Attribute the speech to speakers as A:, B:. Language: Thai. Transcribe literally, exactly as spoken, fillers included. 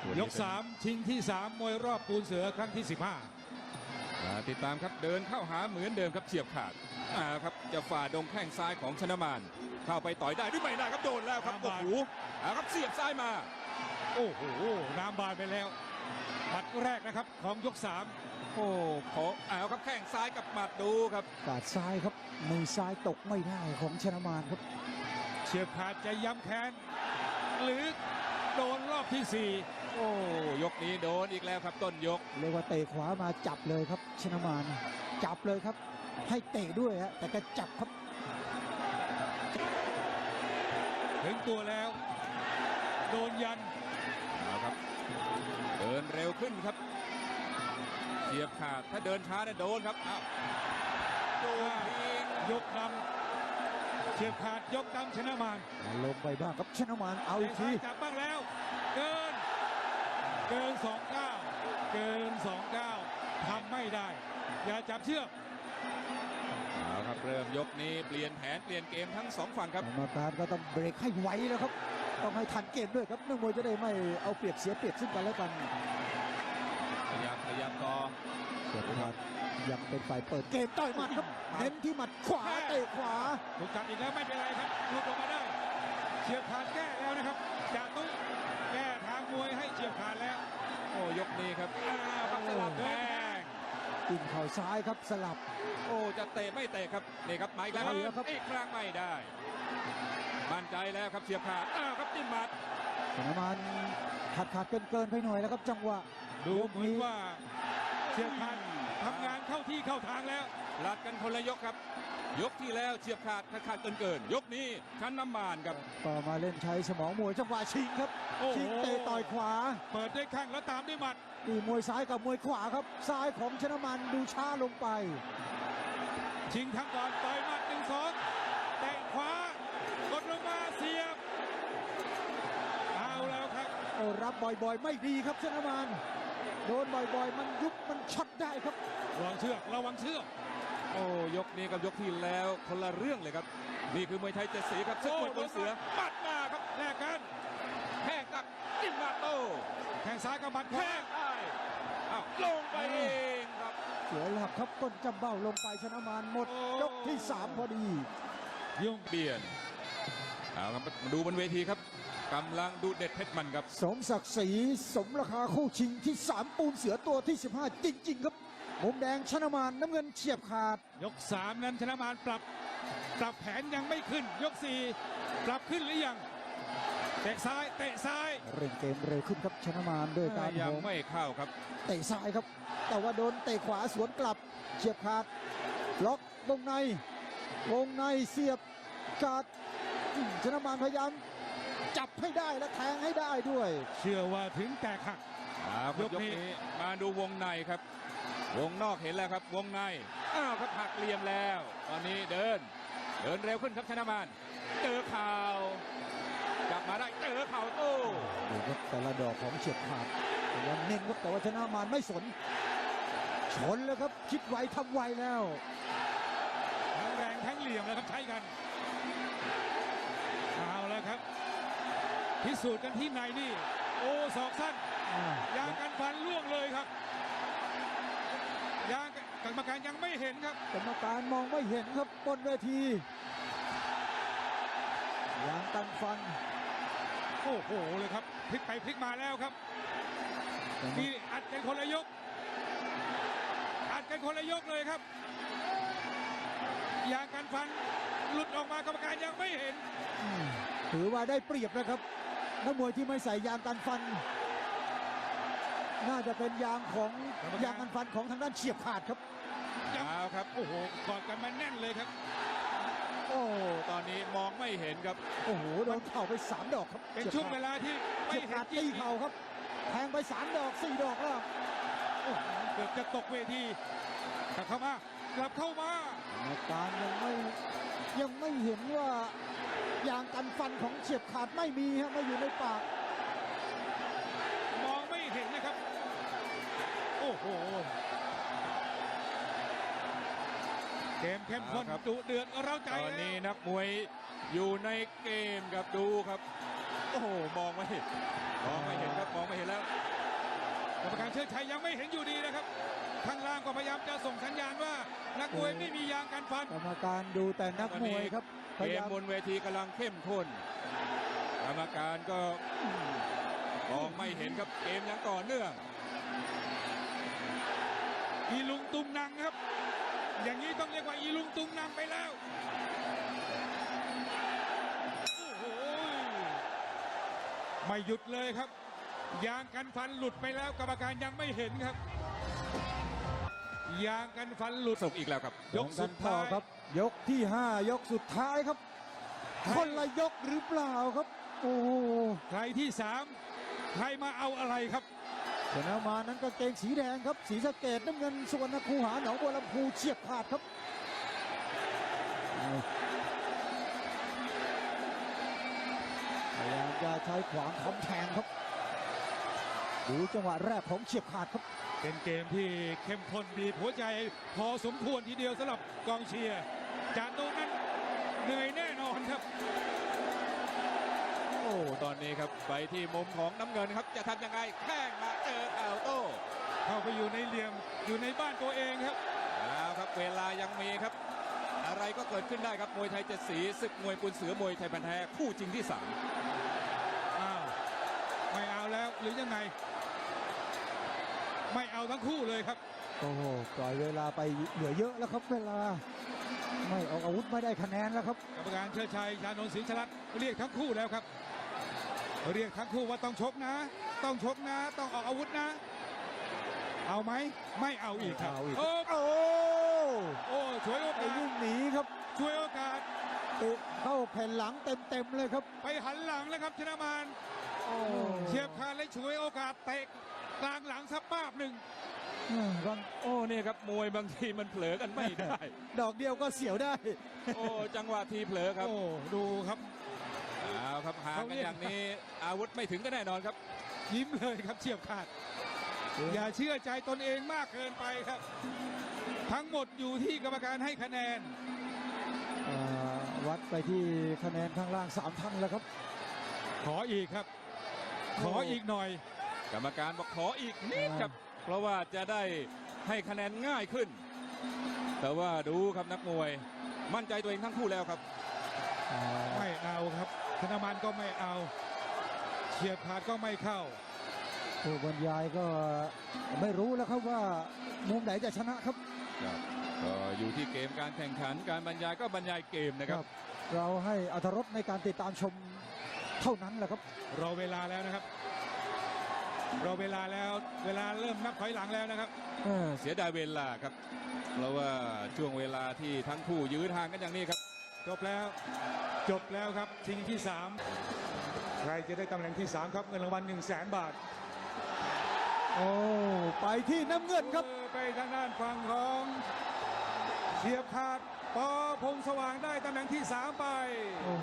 A: ยกสามชิงที่สามมวยรอบปูนเสือครั้งที่สิบห้า
B: ติดตามครับเดินเข้าหาเหมือนเดิมครับเฉียบขาดอ่าครับจะฝ่าดงแข้งซ้ายของชนะมารเข้าไปต่อยได้หรือไม่ได้ครับโดนแล้วครับโอ้โหอ่าครับเสียบซ้ายมา
A: โอ้โหน้ำบานไปแล้วหมัดแรกนะครับของยกสาม
B: โอ้ขอเอาครับแข้งซ้ายกับหมัดดูครับ
C: กาดซ้ายครับมือซ้ายตกไม่ได้ของชนะมารครับ
A: เฉียบขาดจะย้ำแค้นหรือโดนรอบที่สี่
B: โอ้ยกนี้โดนอีกแล้วครับต้นยก
C: เรียกว่าเตะขวามาจับเลยครับชนะมารจับเลยครับให้เตะด้วยฮะแต่ก็จับครับ
A: ถึงตัวแล้วโดนยัน
B: เอาครับเดินเร็วขึ้นครับเฉียบขาดถ้าเดินช้าเนี่ยโดนครับอ้าว
A: โดนยกนำเฉียบขาดยกนำชนะมาร
C: ลงไปบ้างครับชนะมารเอาอีกที
A: จับบ้างแล้วเกินเกินสองเก้าเกินสองเก้าทำไม่ได้อย่าจับเชือก
B: เอาครับเริ่มยกนี้เปลี่ยนแผนเปลี่ยนเกมทั้งสองฝั่งครับ
C: กรรมการก็ต้องเบรกให้ไวแล้วครับต้องให้ทันเกมด้วยครับนักมวยจะได้ไม่เอาเปรียบเสียเปรียบซึ่งกันและกัน
B: ขยับขยับต่อ
C: เสียบขาดยังเป็นฝ่ายเปิดเกมต่อยหมัดครับเน้นที่หมัดขวาเตะขวา
A: ถูกจับอีกแล้วไม่เป็นไรครับหลุดออกมาได้เฉียบขาดแก้แล้วนะครับจ่าตุ้งแก้ทางมวยให้เฉียบขาดแล้ว
B: โอ้ยกนี้ครับอ้าวครับสลับแข้ง
C: จิ้มเข่าซ้ายครับสลับ
B: โอ้จะเตะไม่เตะครับนี่ครับมาอีกแล้วครับอีกครั้งไม่ได้มั่นใจแล้วครับเฉียบขาดอ้าวครับจิ้มหมัด
C: ชนะมารขาดขาดเกินเกินไปหน่อยแล้วครับจังหวะ
A: ดูเหมือนว่าเฉียบขาดทำงานเข้าที่เข้าทางแล้ว
B: ลัดกันคนละยกครับยกที่แล้วเฉียบขาดขาดขาดเกินเกินยกนี้ชันน้ำมานครับ
C: ต่อมาเล่นใช้สมองมวยจังหวะชิงครับชิงเตะต่อยขวา
A: เปิดด้วยแข้งแล้วตามด้วยหมัด
C: นี่มวยซ้ายกับมวยขวาครับซ้ายของชนะมารดูช้าลงไป
A: ชิงทั้งก่อนต่อยหมัดหนึ่งสองเตะขวากดลงมาเสียบเอาแล้วครับ
C: โอ้รับบ่อยๆไม่ดีครับชนะมารโดนบ่อยๆมันยุบมันช็อตได้ครับ
A: ระวังเชือกระวังเชือก
B: โอ้ยกนี้กับยกที่แล้วคนละเรื่องเลยครับนี่คือมวยไทยเจ็ดสีครับศึกมวยบนเสือปัดมาครับ
A: แลกกัน
B: แข้งกับจิ้มมาโต้
A: แข้งซ้ายกับหมัด
B: แข้งได้อ้าวลงไปเองครับ
C: เสียหลักครับก้นจำเบ้าลงไปชนะมารหมดยกที่สามพอดี
B: ยุ่งเบียนเอาครับมาดูบนเวทีครับกำลังดูเด็ดเพชรมันครับ
C: สมศักดิ์ศรีสมราคาคู่ชิงที่สามปูนเสือตัวที่สิบห้าจริงๆครับมุมแดงชนะมารน้ำเงินเฉียบขาด
A: ยกสามนั้นชนะมารปรับปรับแผนยังไม่ขึ้นยกสี่ปรับขึ้นหรือยังเตะซ้ายเตะซ้าย
C: เร่งเกมเร็วขึ้นครับชนะมารด้วยการ
B: ยังไม่เข้าครับ
C: เตะซ้ายครับแต่ว่าโดนเตะขวาสวนกลับเฉียบขาดล็อกวงในวงในเสียบกัดชนะมารพยายามจับให้ได้และแทงให้ได้ด้วย
A: เชื่อว่าถึงแตกหัก
B: ยกนี้มาดูวงในครับวงนอกเห็นแล้วครับวงในอ้าวครับหักเหลี่ยมแล้วตอนนี้เดินเดินเร็วขึ้นครับชนะมารเจอเข่าจับมาได้เจอเข่าโต้
C: ดูครับแต่ละดอกของเฉียบขาดยังเน้นครับแต่ว่าชนะมารไม่สนชนเลยครับคิดไวทำไวแล้ว
A: ทั้งแรงทั้งเหลี่ยมแล้วครับใช้กันเอาแล้วครับพิสูจน์กันที่ไหนนี่โอ้ศอกสั้นยางกันฟันล่วงเลยครับยางกรรมการยังไม่เห็นครับ
C: กรรมการมองไม่เห็นครับบนเวทียางกันฟัน
A: โอ้โหเลยครับพลิกไปพลิกมาแล้วครับมีอัดกันคนละยกอัดกันคนละยกเลยครับยางกันฟันหลุดออกมากรรมการยังไม่เห็น
C: ถือว่าได้เปรียบนะครับนักมวยที่ไม่ใส่ยางกันฟันน่าจะเป็นยางของยางกันฟันของทางด้านเฉียบขาดครับ
B: ยาวครับ
A: โอ้โหกอดกันมาแน่นเลยครับ
B: โอ้ตอนนี้มองไม่เห็นครับ
C: โอ้โหโดนเข่าไปสามดอกครับ
A: เป็นช่วงเวลาที่
C: ไม่เห็นตีเข่าครับแทงไปสามดอกสี่ดอกแล้ว
A: เกือบจะตกเวทีกลับเข้ามากลับเข้ามา
C: อาการยังไม่ยังไม่เห็นว่ายางกันฟันของเฉียบขาดไม่มีฮะไม่อยู่ในปาก
A: มองไม่เห็นนะครับโอ้โหเกมเข้มข้นดุเดือดเราใจ
B: ตอนนี้นักมวยอยู่ในเกมครับดูครับโอ้โหมองไม่เห็นมองไม่เห็นครับมองไม่เห็นแล้ว
A: ชิดชัยยังไม่เห็นอยู่ดีนะครับข้างล่างก็พยายามจะส่งสัญญาณว่านักมวยไม่มียางกันฟัน
C: กรรมการดูแต่นักมวยครับพ
B: เก
C: ยาม ยาม
B: บนเวทีกำลังเข้มข้นกรรมการก็มองไม่เห็นครับเกมยังต่อเนื่อง
A: อีลุงตุงนังครับ อย่างนี้ต้องเรียกว่าอีลุงตุงนังไปแล้วโอ้โหไม่หยุดเลยครับ ยางกันฟันหลุดไปแล้วกรรมการยังไม่เห็นครับ ยางกันฟันหลุด
B: สุกอีกแล้วครับ
A: ยกสุดท้าย
C: ครับ ยกที่ห้ายกสุดท้ายครับ คนละยกหรือเปล่าครับ โอ้โห
A: ใครที่สามใครมาเอาอะไรครับ
C: ชนะมานั้นกางเกงสีแดงครับสีสะเกดน้ำเงินสุวรรณคูหาหนองบัวลำพูเฉียบขาดครับพยายามจะใช้ขวางทำแทงครับดูจังหวะแรกของเฉียบขาดครับ
A: เป็นเกมที่เข้มข้นบีบหัวใจพอสมควรทีเดียวสำหรับกองเชียร์จานโตนั้นเหนื่อยแน่นอนครับ
B: โอ้ตอนนี้ครับไปที่มุมของน้ำเงินครับจะทำยังไงแข้งมาเจอข่าวโต้
A: เข้าไปอยู่ในเหลี่ยมอยู่ในบ้านตัวเองครับ
B: แล้วครับเวลายังมีครับ อะไรก็เกิดขึ้นได้ครับมวยไทยเจ็ดสีศึกมวยปุนเสือมวยไทยพันธุ์แท้คู่จริงที่สาม
A: อ้าวไม่เอาแล้วหรือยังไง ไม่เอาทั้งคู่เลยครับ
C: โอ้โหปล่อยเวลาไปเหลือเยอะแล้วครับเวลาไม่ออกอาวุธไม่ได้คะแนนแล้วครับ
A: กรรมการเชิดชัยชานนท์ศรีชลัดเรียกทั้งคู่แล้วครับ เรียกทั้งคู่ว่าต้องชกนะ ต้องชกนะ ต้องออกอาวุธนะ เอาไหมไม่เอาอีกครับ
C: ไม่เอาอีก
A: โอ้
C: โอ้
A: โอ้ช่วยโอ
C: ไอ้
A: กาส
C: วิ่งหนีครับ
A: ช่วยโอกาส
C: เตะเข้าแผ่นหลังเต็มๆเลยครับ
A: ไปหันหลังแล้วครับชนะมาร
C: โอ้
A: เฉียบขาดและช่วยโอกาสเตะกลางหลังสักป้าบหนึ่ง
C: อืมบาง
B: โอ้เนี่ยครับมวยบางทีมันเผลอกันไม่ได้
C: ดอกเดียวก็เสียวได้
B: โอ้จังหวะทีเผลอครับ
A: โอ้ดูครับ
B: เอาครับห่างกันอย่างนี้อาวุธไม่ถึงก็แน่นอนครับ
A: ยิ้มเลยครับเฉียบขาด อย่าเชื่อใจตนเองมากเกินไปครับ ทั้งหมดอยู่ที่กรรมการให้คะแนน
C: อ่าวัดไปที่คะแนนข้างล่างสามท่านแล้วครับ
A: ขออีกครับ ขออีกหน่อย
B: กรรมการบอกขออีกนิดครับ เพราะว่าจะได้ให้คะแนนง่ายขึ้น แต่ว่าดูครับนักมวยมั่นใจตัวเองทั้งคู่แล้วครับ
C: อ่า
A: ไม่เอาครับธนมันก็ไม่เอาเฉียบขาดก็ไม่เข้า
C: ผู้บรรยายก็ไม่รู้แล้วครับว่ามุมไหนจะชนะครับ
B: ครับก็อยู่ที่เกมการแข่งขันการบรรยายก็บรรยายเกมนะครับ
C: เราให้อรรถรสในการติดตามชมเท่านั้นแหละครับ
A: รอเวลาแล้วนะครับ รอเวลาแล้ว เวลาเริ่มนับถอยหลังแล้วนะครับ
C: เออ
B: เสียดายเวลาครับ เพราะว่าช่วงเวลาที่ทั้งคู่ยื้อทางกันอย่างนี้ครับ
A: จบแล้ว จบแล้วครับชิงที่สามใครจะได้ตำแหน่งที่สามครับเงินรางวัลหนึ่งแสนบาท
C: โอ้ไปที่น้ำเงินครับ
A: เออไปทางด้านฝั่งของเฉียบขาดปอพงษ์สว่างได้ตำแหน่งที่สามไป